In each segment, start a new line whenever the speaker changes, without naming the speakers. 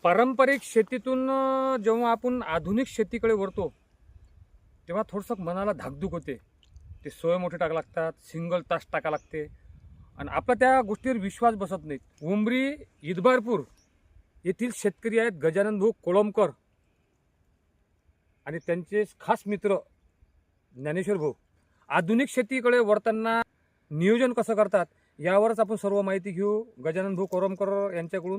पारंपरिक शेतीतून जेव्हा आपण आधुनिक शेतीकडे वळतो तेव्हा थोडंसं मनाला धाकधूक होते. ते सोय मोठे टाका लागतात, सिंगल तास टाका लागते आणि आपला त्या गोष्टीवर विश्वास बसत नाहीत. उमरी इदबारपूर येथील शेतकरी आहेत गजानन भाऊ कोळंबकर आणि त्यांचे खास मित्र ज्ञानेश्वर भाऊ. आधुनिक शेतीकडे वळताना नियोजन कसं करतात यावरच आपण सर्व माहिती घेऊ गजानन भाऊ कोळंबकर यांच्याकडून.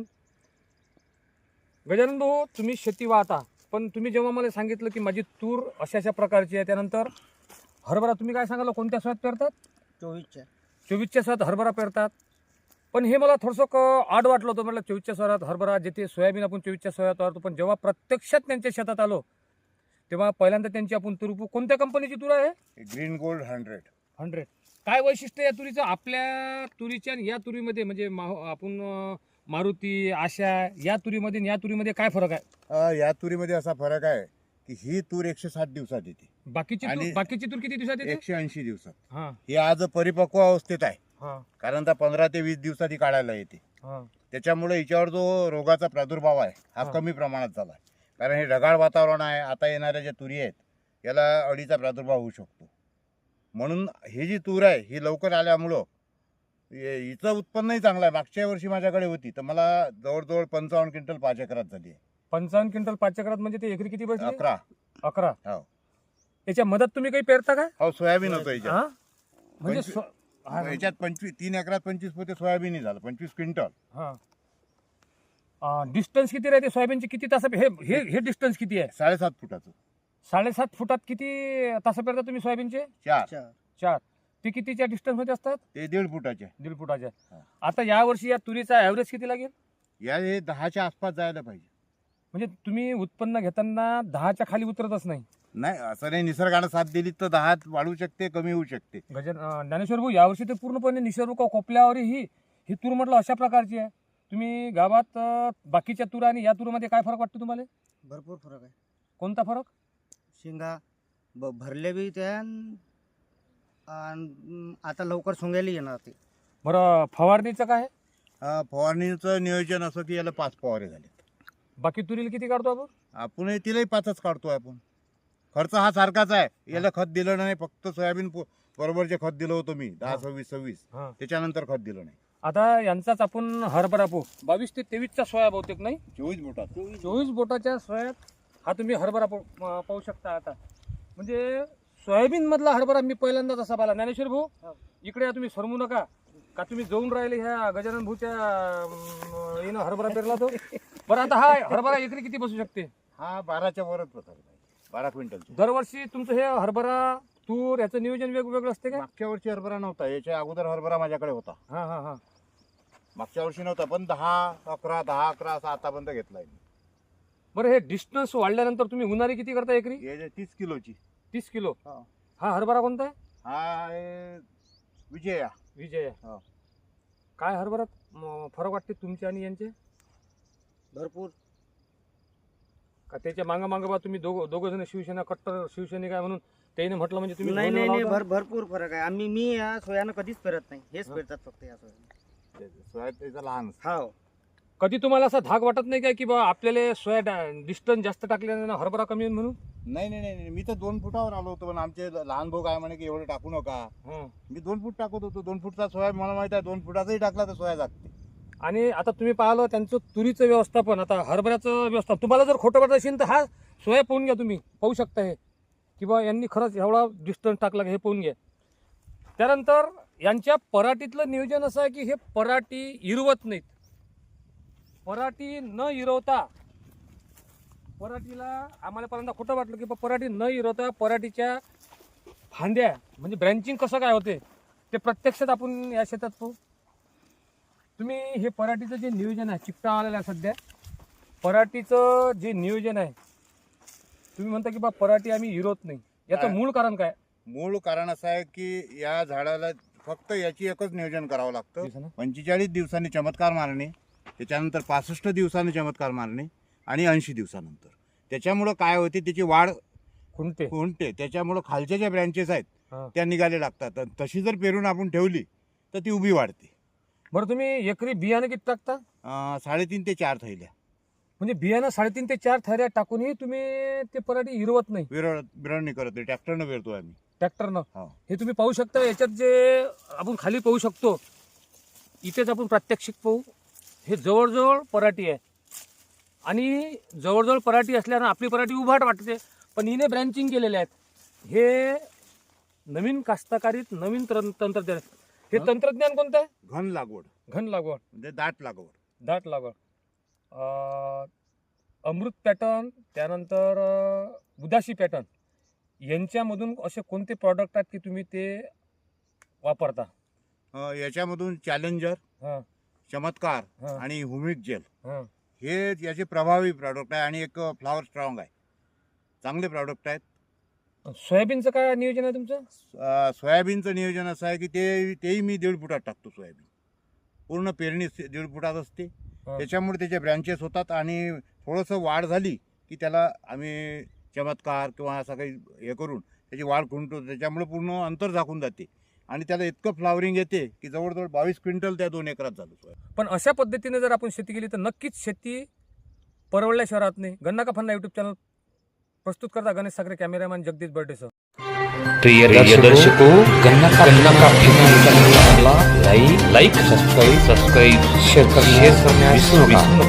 गजानन भाऊ, तुम्ही शेती वाहता, पण तुम्ही जेव्हा मला सांगितलं की माझी तूर अशा अशा प्रकारची आहे, त्यानंतर हरभरा तुम्ही काय सांगाल कोणत्या सोयात पेरतात? 24च्या सोयात हरभरा पेरतात. पण हे मला थोडंसं आड वाटलं होतं. म्हटलं 24च्या सोयात हरभरा, जेथे सोयाबीन आपण 24च्या सोयात वाढतो, पण जेव्हा प्रत्यक्षात त्यांच्या शेतात आलो तेव्हा पहिल्यांदा त्यांची आपण तूर, कोणत्या कंपनीची तूर आहे?
Green gold 100.
काय वैशिष्ट्य या तुरीचं आपल्या तुरीच्या आणि या तुरीमध्ये, म्हणजे आपण मारुती आशा या तुरीमध्ये आणि या तुरीमध्ये काय फरक आहे?
या तुरीमध्ये असा फरक आहे की ही तूर 160 दिवसात येते,
बाकीची तूर किती दिवसात येते?
180 दिवसात.
हा
ही आज परिपक्व अवस्थेत आहे,
हा
कारण 15 ते 20 दिवसात ही काढायला येते.
हा.
त्याच्यामुळे हिच्यावर जो रोगाचा प्रादुर्भाव आहे हा
हा.
कमी प्रमाणात झाला आहे. कारण हे ढगाळ वातावरण आहे, आता येणाऱ्या ज्या तुरी आहेत याला अळीचा प्रादुर्भाव होऊ शकतो. म्हणून ही जी तूर आहे ही लवकर आल्यामुळं हिचं उत्पन्नही चांगलं आहे. मागच्या वर्षी माझ्याकडे होती तर मला जवळजवळ 55 क्विंटल 5 एकरात झाली आहे.
55 क्विंटल 5 एकरात म्हणजे ते एकरी किती बसले?
11.
हो. त्याच्या मदत तुम्ही काही पेरता का?
हो, सोयाबीन होतं याच्यात.
हा? म्हणजे
याच्यात 3 एकरात 25 पोते सोयाबीनही झालं, 25 क्विंटल.
हा. डिस्टन्स किती राहते सोयाबीनचे? किती तास हे डिस्टन्स किती आहे?
7.5 फुटाचं.
7.5 फुटात किती तास पेरता तुम्ही सोयाबीनचे? 4. ते कितीच्या डिस्टन्स मध्ये असतात?
ते 1.5 फुटाचे.
1.5 फुटाच्या.
हा.
आता या वर्षी या तुरीचा ऍव्हरेज किती लागेल?
या हे 10च्या आसपास जायला पाहिजे.
म्हणजे तुम्ही उत्पन्न घेताना 10च्या खाली उतरतच नाही?
नाही, असं नाही. निसर्गानं साथ दिली तर 10 वाढू शकते, कमी होऊ शकते.
ज्ञानेश्वर भाऊ, यावर्षी तर पूर्णपणे निसर्ग कोपल्यावर ही तूर म्हटलं अशा प्रकारची आहे. तुम्ही गावात बाकीच्या तूर आणि या तूरमध्ये काय फरक वाटतो तुम्हाला?
भरपूर फरक आहे.
कोणता फरक?
शेंगा भरले बी त्या आता लवकर सोंगायला येणार ते.
बरं, फवारणीचं काय आहे?
फवारणीचं नियोजन असं की याला 5 फवारे झाले.
बाकी तुरीला किती काढतो आपण?
आपण तिलाही 5च काढतोय आपण. खर्च हा सारखाच आहे. याला खत दिलं नाही, फक्त सोयाबीन बरोबरचे खत दिलं होतं मी 10-26.
हा.
त्याच्यानंतर खत दिलं नाही.
आता यांचाच आपण हरभरा 22 ते 23चा सोया बहुतेक नाही,
24 बोटात.
24 बोटाच्या सोयात हा तुम्ही हरभरा पाहू शकता. आता म्हणजे सोयाबीन मधला हरभरा मी पहिल्यांदाच असा पाहिला. ज्ञानेश्वर भाऊ, इकडे या, तुम्ही सरमू नका का, तुम्ही जाऊन राहिले ह्या गजानन भाऊच्या येणं हरभरा पेरला तो. बरं, आता हा हरभरा एकरी किती बसू शकते?
हा 12च्या वरच बसायला पाहिजे, 12 क्विंटल.
दरवर्षी तुमचं हे हरभरा तूर याचं नियोजन वेगवेगळं असते का?
मागच्या वर्षी हरभरा नव्हता, याच्या अगोदर हरभरा माझ्याकडे होता.
हा हा हा.
मागच्या वर्षी नव्हता, पण 10-11 असा आतापर्यंत घेतलाय मी.
बरं, हे डिस्टन्स वाढल्यानंतर तुम्ही उन्हाळी किती करता एकरी?
हे 30 किलोची.
30 किलो.
हा.
हा हरभरा कोणता आहे?
हा आहे विजया.
विजय.
हो.
काय हरभरात फरक वाटते तुमचे आणि यांचे?
भरपूर.
का त्याच्या मागं बा तुम्ही दोघं जण शिवसेना कट्टर शिवसैनिक आहे म्हणून त्याने म्हटलं म्हणजे तुम्ही
नाही
दोन
नाही
लावता?
भरपूर फरक आहे. मी या सोयानं कधीच पेरत नाही, हेच पेरतात फक्त या सोयानं.
सोया त्याचा लहान.
हो.
कधी तुम्हाला असा धाक वाटत नाही काय की बा आपल्याला सोया डिस्टन्स जास्त टाकल्याने हरभरा कमी होईल म्हणून?
नाही, मी तर 2 फुटावर आलो होतो, पण आमचे लहान भाऊ काय म्हणे की एवढं टाकू नका.
हं.
मी 2 फूट टाकत होतो. 2 फूटचा सोया मला माहित आहे, 2 फुटाचाही टाकला तर सोया जागते.
आणि आता तुम्ही पाहिलं त्यांचं तुरीचं व्यवस्थापन, आता हरभऱ्याचं व्यवस्थापन. तुम्हाला जर खोटं वाटत असेल तर हा सोया पाहून घ्या, तुम्ही पाहू शकता हे की बा यांनी खरंच एवढा डिस्टन्स टाकला का हे पाहून घ्या. त्यानंतर यांच्या पराठीतलं नियोजन असं आहे की हे पराठी इरवत नाहीत. पराठी न इरवता, पराठीला आम्हाला पहिल्यांदा खोटं वाटलं की पराठी न इरवता पराठीच्या फांद्या म्हणजे ब्रँचिंग कसं काय होते ते प्रत्यक्षात आपण या शेतात पाहू. तुम्ही हे पराठीचं जे नियोजन आहे, चिकटा आलेला आहे सध्या, पराठीचं जे नियोजन आहे, तुम्ही म्हणता की बा पराठी आम्ही इरवत नाही, याचं मूळ कारण काय?
मूळ कारण असं आहे की या झाडाला फक्त याची एकच नियोजन करावं लागतं. 45 दिवसांनी चमत्कार मारणे, त्याच्यानंतर 65 दिवसांनी चमत्कार मारणे आणि 80 दिवसानंतर. त्याच्यामुळं काय होते, त्याची वाढ खुंटते. त्याच्यामुळं खालच्या ज्या ब्रँचेस आहेत त्या निघाले लागतात. तशी जर पेरून आपण ठेवली तर ती उभी वाढते.
बरं, तुम्ही एकरी बियाणं किती टाकता?
3.5 ते 4 थैल्या.
म्हणजे बियाणं 3.5 ते 4 थैऱ्या टाकूनही तुम्ही ते पराठी हिरवत नाही
विरळणी करत नाही, ट्रॅक्टरनं पेरतो आम्ही.
ट्रॅक्टरनं.
हो.
हे तुम्ही पाहू शकता. याच्यात जे आपण खाली पाहू शकतो, इथेच आपण प्रात्यक्षिक पाहू. हे जवळजवळ पराठी आहे आणि जवळजवळ पराठी असल्यानं आपली पराठी उभाट वाटते, पण हिने ब्रँचिंग केलेले आहेत. हे नवीन कास्तकारीत नवीन तंत्रज्ञान. हे तंत्रज्ञान कोणतं आहे?
घन लागवड
घन लागवड,
म्हणजे दाट लागवड.
दाट लागवड. अमृत पॅटर्न, त्यानंतर उदासी पॅटर्न, यांच्यामधून असे कोणते प्रॉडक्ट आहेत की तुम्ही ते वापरता?
याच्यामधून चॅलेंजर,
हां
चमत्कार
हां
आणि हुमिक जेल
हां.
हे याचे प्रभावी प्रॉडक्ट आहे आणि एक फ्लॉवर स्ट्रॉंग आहे. चांगले प्रॉडक्ट आहेत.
सोयाबीनचं काय नियोजन आहे तुमचं?
सोयाबीनचं नियोजन असं आहे की तेही मी 1.5 फुटात टाकतो. सोयाबीन पूर्ण पेरणी 1.5 फुटात असते.
हां.
त्याच्यामुळे त्याचे ब्रँचेस होतात आणि थोडंसं वाढ झाली की त्याला आम्ही चमत्कार किंवा असं काही हे करून त्याची वाढ खुंटतो. त्याच्यामुळे पूर्ण अंतर झाकून जाते आणि त्याला इतकं फ्लावरिंग येते की जवळजवळ 22 क्विंटल त्या 2 एकरात झालं सोयाबीन.
पण अशा पद्धतीने जर आपण शेती केली तर नक्कीच शेती परवडल्याशिवाय राहत नाही. गन्ना का फन्ना यूट्यूब चॅनल प्रस्तुत करता गणेश साखरे, कॅमेरामॅन जगदीश बर्डेसह.
प्रिय दर्शकों, गन्ना का चैनल लाइक सब्सक्राइब शेयर करना विसरू नका.